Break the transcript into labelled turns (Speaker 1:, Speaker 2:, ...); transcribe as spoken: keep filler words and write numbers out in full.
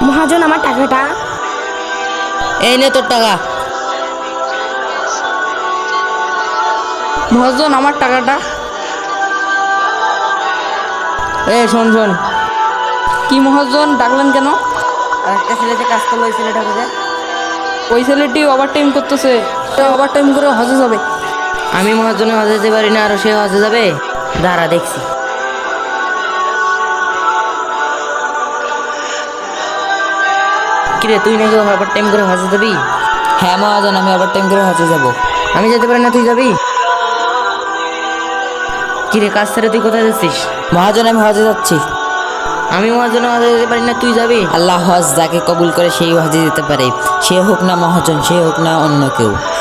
Speaker 1: মহাজন আমার টাকাটা।
Speaker 2: এই নে তোর টাকা।
Speaker 3: মহাজন আমার টাকাটা।
Speaker 2: এ শোন শোন,
Speaker 3: কি মহাজন ডাকলেন কেন?
Speaker 2: আর একটা ছেলে যে কাজ করলো ওই ছেলেটা কোথায়?
Speaker 3: ওই ছেলেটি ওভার টাইম করতেছে, ওভার টাইম করে হজে যাবে।
Speaker 2: আমি মহাজনে হজে যেতে পারি না আর সে হজে যাবে? দাঁড়া দেখছি। কিরে তুই নাকি ওভার টাইম করে হজে যাবি?
Speaker 4: হ্যাঁ মহাজন, আমি ওভার টাইম করে হজে যাব।
Speaker 2: আমি যেতে পারি না, তুই যাবি? কিরে কাজ ছেড়ে তুই কোথায় যাচ্ছিস?
Speaker 4: মহাজন আমি হজে যাচ্ছি।
Speaker 2: আমি মহাজনে হজে যেতে পারি না, তুই যাবি?
Speaker 4: আল্লাহ হজ যাকে কবুল করে সেই হজে যেতে পারে, সে হোক না মহাজন, সে হোক না অন্য কেউ।